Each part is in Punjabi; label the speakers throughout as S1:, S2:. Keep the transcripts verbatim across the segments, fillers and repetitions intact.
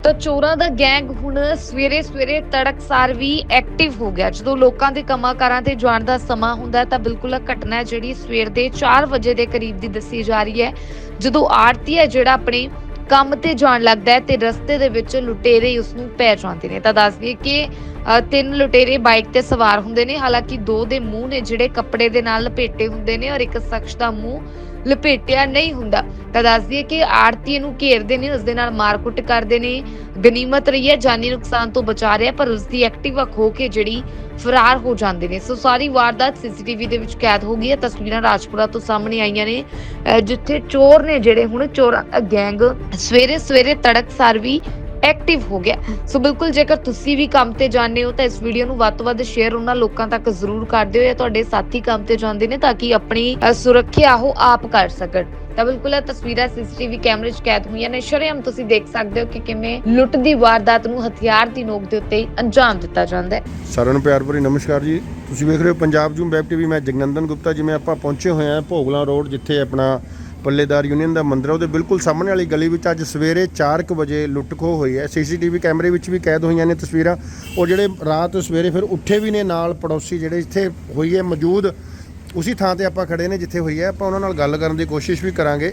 S1: ਤਾਂ ਚੋਰਾਂ ਦਾ ਗੈਂਗ ਹੁਣ ਸਵੇਰੇ ਸਵੇਰੇ ਤੜਕਸਾਰ ਵੀ ਐਕਟਿਵ ਹੋ ਗਿਆ। ਜਦੋਂ ਲੋਕਾਂ ਦੇ ਕੰਮਾਂ ਕਾਰਾਂ ਤੇ ਜਾਣ ਦਾ ਸਮਾਂ ਹੁੰਦਾ ਤਾਂ ਬਿਲਕੁਲ ਇਹ ਘਟਨਾ ਹੈ ਜਿਹੜੀ ਸਵੇਰ ਦੇ ਚਾਰ ਵਜੇ ਦੇ ਕਰੀਬ ਦੀ ਦੱਸੀ ਜਾ ਰਹੀ ਹੈ, ਜਦੋਂ ਆੜਤੀ ਹੈ ਜਿਹੜਾ ਆਪਣੇ ਕੰਮ ਤੇ ਜਾਣ ਲੱਗਦਾ ਹੈ ਤੇ ਰਸਤੇ ਦੇ ਵਿੱਚ ਲੁਟੇਰੇ ਉਸ ਨੂੰ ਪੈ ਜਾਂਦੇ ਨੇ। ਤਾਂ ਦੱਸ ਦਈਏ ਕਿ ਅ, ਤਿੰਨ ਲੁਟੇਰੇ ਬਾਈਕ ਤੇ ਸਵਾਰ ਹੁੰਦੇ ਨੇ। ਹਾਲਾਂਕਿ ਦੋ ਦੇ ਮੂੰਹ ਨੇ ਜਿਹੜੇ ਕੱਪੜੇ ਦੇ ਨਾਲ ਲਪੇਟੇ ਹੁੰਦੇ ਨੇ ਔਰ ਇੱਕ ਸ਼ਖਸ ਦਾ ਮੂੰਹ ਲਪੇਟਿਆ ਨਹੀਂ ਹੁੰਦਾ। ਤਾਂ ਦੱਸ ਦਈਏ ਕਿ ਆੜਤੀ ਨੂੰ ਘੇਰਦੇ ਨੇ, ਉਸ ਦੇ ਨਾਲ ਮਾਰਕੁੱਟ ਕਰਦੇ ਨੇ। ਗਨੀਮਤ ਰਹੀ ਹੈ, ਜਾਨੀ ਨੁਕਸਾਨ ਤੋਂ ਬਚਾ ਰਿਹਾ, ਪਰ ਉਸ ਦੀ ਐਕਟਿਵਾ ਖੋ ਕੇ ਜਿਹੜੀ ਫਰਾਰ ਹੋ ਜਾਂਦੇ ਨੇ। ਸੋ ਸਾਰੀ ਵਾਰਦਾਤ ਸੀਸੀਟੀਵੀ ਦੇ ਵਿੱਚ ਕੈਦ ਹੋ ਗਈ ਹੈ। ਤਸਵੀਰਾਂ ਰਾਜਪੁਰਾ ਤੋਂ ਸਾਹਮਣੇ ਆਈਆਂ ਨੇ, ਅਹ ਜਿੱਥੇ ਚੋਰ ਨੇ ਜਿਹੜੇ ਹੁਣ ਚੋਰਾਂ ਦਾ ਗੈਂਗ ਸਵੇਰੇ ਸਵੇਰੇ ਤੜਕਸਾਰ ਵੀ ਐਕਟਿਵ ਹੋ ਗਿਆ। ਸੋ ਬਿਲਕੁਲ ਜੇਕਰ ਤੁਸੀਂ ਵੀ ਕੰਮ ਤੇ ਜਾਂਦੇ ਹੋ ਤਾਂ ਇਸ ਵੀਡੀਓ ਨੂੰ ਵੱਧ ਤੋਂ ਵੱਧ ਸ਼ੇਅਰ ਉਹਨਾਂ ਲੋਕਾਂ ਤੱਕ ਜ਼ਰੂਰ ਕਰ ਦਿਓ ਜਾਂ ਤੁਹਾਡੇ ਸਾਥੀ ਕੰਮ ਤੇ ਜਾਂਦੇ ਨੇ ਤਾਂ ਕਿ ਆਪਣੀ ਅ, ਸੁਰੱਖਿਆ ਉਹ ਆਪ ਕਰ ਸਕਣ। ਤਾਂ ਬਿਲਕੁਲ ਇਹ ਤਸਵੀਰਾਂ ਸੀਸੀਟੀਵੀ ਕੈਮਰੇ 'ਚ ਕੈਦ ਹੋਈਆਂ ਨੇ। ਸ਼ਰੇਆਮ ਤੁਸੀਂ ਦੇਖ ਸਕਦੇ ਹੋ ਕਿ ਕਿਵੇਂ ਲੁੱਟ ਦੀ ਵਾਰਦਾਤ ਨੂੰ ਹਥਿਆਰ ਦੀ ਨੋਕ ਦੇ ਉੱਤੇ ਅੰਜਾਮ ਦਿੱਤਾ ਜਾਂਦਾ ਹੈ।
S2: ਸਾਰਿਆਂ ਨੂੰ ਪਿਆਰ ਭਰੀ ਨਮਸਕਾਰ ਜੀ। ਤੁਸੀਂ ਵੇਖ ਰਹੇ ਹੋ ਪੰਜਾਬ ਜੂਮ ਵੈਬ ਟੀਵੀ। ਮੈਂ ਜਗਨੰਦਨ ਗੁਪਤਾ। ਜਿਵੇਂ ਆਪਾਂ ਪਹੁੰਚੇ ਹੋਏ ਹਾਂ ਭੋਗਲਾ ਰੋਡ, ਜਿੱਥੇ ਆਪਣਾ ਪੱਲੇਦਾਰ ਯੂਨੀਅਨ ਦਾ ਮੰਦਰ ਹੈ, ਉਹਦੇ ਬਿਲਕੁਲ ਸਾਹਮਣੇ ਵਾਲੀ ਗਲੀ ਵਿੱਚ ਅੱਜ ਸਵੇਰੇ ਚਾਰ ਕੁ ਵਜੇ ਲੁੱਟ ਖੋਹ ਹੋਈ ਹੈ। ਸੀਸੀਟੀਵੀ ਕੈਮਰੇ ਵਿੱਚ ਵੀ ਕੈਦ ਹੋਈਆਂ ਨੇ ਤਸਵੀਰਾਂ। ਉਹ ਜਿਹੜੇ ਰਾਤ ਸਵੇਰੇ ਫਿਰ ਉੱਠੇ ਵੀ ਨੇ, ਨਾਲ ਪੜੋਸੀ ਜਿਹੜੇ ਇੱਥੇ ਹੋਈ ਹੈ ਮੌਜੂਦ, ਉਸੇ ਥਾਂ ਤੇ ਆਪਾਂ ਖੜੇ ਨੇ ਜਿੱਥੇ ਹੋਈ ਹੈ। ਆਪਾਂ ਉਹਨਾਂ ਨਾਲ ਗੱਲ ਕਰਨ ਦੀ ਕੋਸ਼ਿਸ਼ ਵੀ ਕਰਾਂਗੇ।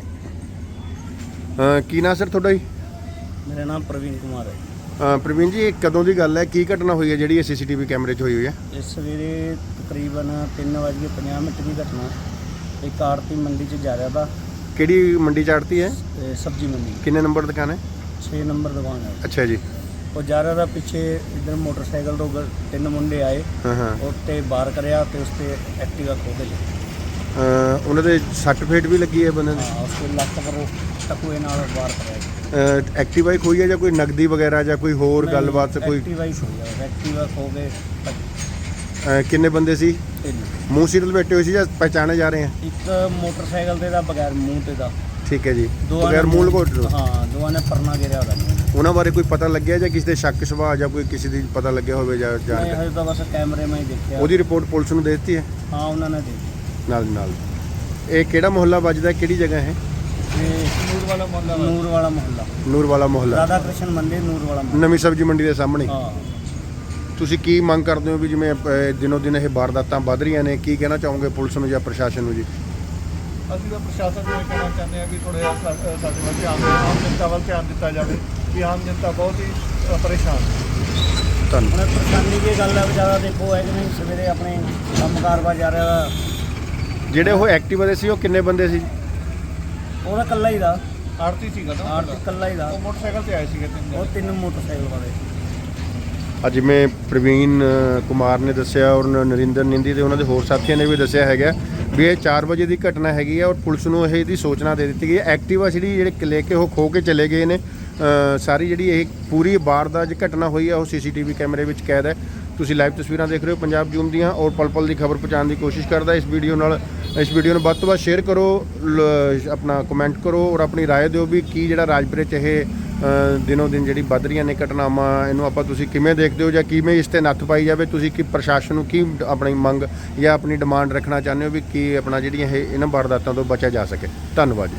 S2: ਅਹ ਕੀ ਨਾਂ ਸਰ ਤੁਹਾਡਾ ਜੀ?
S3: ਮੇਰਾ ਨਾਮ ਪ੍ਰਵੀਨ ਕੁਮਾਰ ਹੈ।
S2: ਅਹ ਪ੍ਰਵੀਨ ਜੀ, ਇਹ ਕਦੋਂ ਦੀ ਗੱਲ ਹੈ, ਕੀ ਘਟਨਾ ਹੋਈ ਹੈ ਜਿਹੜੀ ਇਹ ਸੀਸੀਟੀਵੀ ਕੈਮਰੇ 'ਚ ਹੋਈ ਹੋਈ ਹੈ?
S3: ਇਸ ਸਵੇਰੇ ਤਕਰੀਬਨ ਤਿੰਨ ਵੱਜ ਕੇ ਪੰਜਾਹ ਮਿੰਟ ਦੀ ਘਟਨਾ। ਇੱਕ ਆੜਤੀ ਮੰਡੀ 'ਚ ਜਾ ਰਿਹਾ ਤਾ,
S2: ਕਿਹੜੀ ਮੰਡੀ 'ਚ ਆੜਤੀ ਹੈ?
S3: ਤੇ ਸਬਜ਼ੀ ਮੰਡੀ
S2: ਕਿੰਨੇ ਨੰਬਰ ਦੁਕਾਨ ਹੈ?
S3: ਛੇ ਨੰਬਰ ਦੁਕਾਨ ਹੈ।
S2: ਅੱਛਾ ਜੀ।
S3: ਉਹ ਜਾ ਰਿਹਾ ਤਾ, ਪਿੱਛੇ ਇੱਧਰ ਮੋਟਰਸਾਈਕਲ ਤੋਂ ਗ- ਤਿੰਨ ਮੁੰਡੇ ਆਏ,
S2: ਹਾਂ ਹਾਂ।
S3: ਉੱਤੇ ਬਾਰ ਕਰਿਆ ਤੇ ਉਸ ਤੇ ਐਕਟਿਵਾ ਖੋ ਕੇ ਲੈ
S2: ਅਹ ਉਹਨਾਂ ਦੇ ਸੱਟ ਫੇਟ ਵੀ ਲੱਗੀ ਹੈ ਬੰਦੇ ਦੇ?
S3: ਹਾਂ, ਉਸ ਤੇ ਲੱਕ ਪਰ ਟਕੂਏ ਨਾਲ ਬਾਰ ਕਰਿਆ।
S2: ਅਹ ਐਕਟਿਵਾ ਹੀ ਖੋਈ ਹੈ ਜਾਂ ਕੋਈ ਨਗਦੀ ਵਗੈਰਾ ਜਾਂ ਕੋਈ ਹੋਰ ਗੱਲਬਾਤ? ਕੋਈ
S3: ਐਕਟਿਵਾ ਹੀ ਖੋ ਗਿਆ, ਐਕਟਿਵਾ ਖੋ ਕੇ ਭੱਜ-
S2: ਅਹ ਕਿੰਨੇ ਬੰਦੇ ਸੀ?
S3: ਤਿੰਨ।
S2: ਮੂੰਹ ਸਿਰ ਲਪੇਟੇ ਹੋਏ ਸੀ ਜਾਂ ਪਹਿਚਾਣੇ ਜਾ ਰਹੇ ਹੈ?
S3: ਇੱਕ ਮੋਟਰਸਾਈਕਲ ਤੇ ਦਾ ਬਗੈਰ ਮੂੰਹ ਤੇ ਦਾ,
S2: ਠੀਕ ਹੈ ਜੀ।
S3: ਦੋਵਾਂ
S2: ਬਗੈਰ
S3: ਨੇ
S2: ਮੂੰਹ ਲਕੋਟ ਲਓ।
S3: ਹਾਂ, ਦੋਵਾਂ ਨੇ ਪਰਨਾ ਘੇਰਿਆ ਉਹਦਾ।
S2: ਉਹਨਾਂ ਬਾਰੇ ਕੋਈ ਪਤਾ ਲੱਗਿਆ ਜਾਂ ਕਿਸੇ ਦੇ ਸ਼ੱਕ ਸੁਭਾਅ ਜਾਂ ਕੋਈ ਕਿਸੇ ਦੀ ਪਤਾ ਲੱਗਿਆ ਹੋਵੇ ਜਾਂ
S3: ਨਹੀਂ,
S2: ਜਾਣ?
S3: ਹਜੇ ਤਾਂ ਬਸ ਕੈਮਰੇ ਮੈਂ ਹੀ ਦੇਖਿਆ।
S2: ਉਹਦੀ ਰਿਪੋਰਟ ਪੁਲਿਸ ਨੂੰ ਦੇ ਦਿੱਤੀ ਹੈ?
S3: ਹਾਂ, ਉਹਨਾਂ ਨੇ ਦੇਖੀ।
S2: ਨਾਲ ਦੀ ਨਾਲ। ਇਹ ਕਿਹੜਾ ਮੁਹੱਲਾ ਵੱਜਦਾ, ਕਿਹੜੀ ਜਗ੍ਹਾ ਹੈ?
S3: ਨੂਰ ਵਾਲਾ ਮੁਹੱਲਾ। ਨੂਰ ਵਾਲਾ ਮੁਹੱਲਾ,
S2: ਨੂਰ ਵਾਲਾ ਮੁਹੱਲਾ,
S3: ਰਾਧਾ ਕ੍ਰਿਸ਼ਨ ਮੰਦਿਰ, ਨੂਰ ਵਾਲਾ ਮੁਹੱਲਾ।
S2: ਨਵੀਂ ਸਬਜ਼ੀ ਮੰਡੀ ਦੇ ਸਾਹਮਣੇ।
S3: ਹਾਂ।
S2: ਤੁਸੀਂ ਕੀ ਮੰਗ ਕਰਦੇ ਹੋ ਵੀ ਜਿਵੇਂ ਅਹ, ਦਿਨੋਂ ਦਿਨ ਇਹ ਵਾਰਦਾਤਾਂ ਵੱਧ ਰਹੀਆਂ ਨੇ, ਕੀ ਕਹਿਣਾ ਚਾਹੋਗੇ ਪੁਲਿਸ ਨੂੰ ਜਾਂ ਪ੍ਰਸ਼ਾਸਨ ਨੂੰ ਜੀ?
S4: ਅਸੀਂ ਤਾਂ ਪ੍ਰਸ਼ਾਸਨ ਨੂੰ ਇਹ ਕਹਿਣਾ ਚਾਹੁੰਦੇ ਹਾਂ ਵੀ ਥੋੜ੍ਹਾ ਜਿਹਾ ਸਾ- ਸਾਡੇ ਵੱਲ ਧਿਆਨ ਦਿਓ, ਆਮ ਜਨਤਾ ਵੱਲ ਧਿਆਨ ਦਿੱਤਾ ਜਾਵੇ ਕਿ ਆਮ ਜਨਤਾ ਬਹੁਤ ਹੀ ਅ, ਪਰੇਸ਼ਾਨ ਹੈ।
S2: ਧੰਨਵਾਦ।
S3: ਹੁਣ ਪਰੇਸ਼ਾਨੀ ਦੀ ਗੱਲ ਹੈ, ਵਿਚਾਰਾ ਦੇਖੋ ਹੈ ਕਿ ਨਹੀਂ, ਸਵੇਰੇ ਆਪਣੇ ਕੰਮਕਾਰ ਵਾ ਜਾ ਰਿਹਾ।
S2: ਜਿਹੜੇ ਉਹ ਐਕਟਿਵਾ ਦੇ ਸੀ ਉਹ ਕਿੰਨੇ ਬੰਦੇ ਸੀ?
S3: ਉਹਦਾ ਇਕੱਲਾ ਹੀ ਦਾ,
S4: ਆੜਤੀ ਸੀਗਾ ਨਾ
S3: ਆਰਟ ਇਕੱਲਾ ਹੀ ਦਾ।
S4: ਉਹ ਮੋਟਰਸਾਈਕਲ ਤੇ ਆਏ ਸੀਗੇ ਤਿੰਨ
S3: ਉਹ
S4: ਜਣੇ।
S3: ਤਿੰਨ ਮੋਟਰਸਾਈਕਲ ਵਾਲੇ।
S2: ਅੱਜ ਜਿਵੇਂ ਪ੍ਰਵੀਨ ਅ, ਕੁਮਾਰ ਨੇ ਦੱਸਿਆ ਔਰ ਨ- ਨਰਿੰਦਰ ਨਿੰਦੀ ਤੇ ਉਹਨਾਂ ਦੇ ਹੋਰ ਸਾਥੀਆਂ ਨੇ ਵੀ ਦੱਸਿਆ ਹੈਗਾ ਵੀ ਇਹ ਚਾਰ ਵਜੇ ਦੀ ਘਟਨਾ ਹੈਗੀ ਹੈ ਔਰ ਪੁਲਿਸ ਨੂੰ ਇਹ ਇਹਦੀ ਸੂਚਨਾ ਦੇ ਦਿੱਤੀ ਗਈ ਹੈ। ਐਕਟਿਵਾ ਜਿਹੜੀ ਜਿਹੜੇ ਲੈ ਕੇ ਉਹ ਖੋ ਕੇ ਚਲੇ ਗਏ ਨੇ। ਅ, ਸਾਰੀ ਜਿਹੜੀ ਇਹ ਪੂਰੀ ਵਾਰਦਾਤ ਦੀ ਘਟਨਾ ਹੋਈ ਹੈ ਉਹ ਸੀਸੀਟੀਵੀ ਕੈਮਰੇ ਵਿੱਚ ਕੈਦ ਹੈ। ਤੁਸੀਂ ਲਾਈਵ ਤਸਵੀਰਾਂ ਦੇਖ ਰਹੇ ਹੋ ਪੰਜਾਬ ਜੂਮ ਦੀਆਂ ਔਰ ਪਲ ਪਲ ਦੀ ਖਬਰ ਪਹੁੰਚਾਉਣ ਦੀ ਕੋਸ਼ਿਸ਼ ਕਰਦਾ। ਇਸ ਵੀਡੀਓ ਨਾਲ ਇਸ ਵੀਡੀਓ ਨੂੰ ਵੱਧ ਤੋਂ ਵੱਧ ਸ਼ੇਅਰ ਕਰੋ, ਲ- ਆਪਣਾ ਕਮੈਂਟ ਕਰੋ ਔਰ ਆਪਣੀ ਰਾਏ ਦਿਓ ਵੀ ਕੀ ਜਿਹੜਾ ਰਾਜਪੁਰੇ 'ਚ ਇਹ ਅ, ਦਿਨੋਂ ਦਿਨ ਜਿਹੜੀ ਵੱਧ ਰਹੀਆਂ ਨੇ ਘਟਨਾਵਾਂ, ਇਹਨੂੰ ਆਪਾਂ ਤੁਸੀਂ ਕਿਵੇਂ ਦੇਖਦੇ ਹੋ ਜਾਂ ਕਿਵੇਂ ਇਸ ਤੇ ਨੱਥ ਪਾਈ ਜਾਵੇ? ਤੁਸੀਂ ਕੀ ਪ੍ਰਸ਼ਾਸਨ ਨੂੰ ਕੀ ਆਪਣੀ ਮੰਗ ਜਾਂ ਆਪਣੀ ਡਿਮਾਂਡ ਰੱਖਣਾ ਚਾਹੁੰਦੇ ਹੋ ਵੀ ਕੀ ਆਪਣਾ ਜਿਹੜੀਆਂ ਇਹ ਇਹਨਾਂ ਵਾਰਦਾਤਾਂ ਤੋਂ ਬਚਿਆ ਜਾ ਸਕੇ? ਧੰਨਵਾਦ ਜੀ।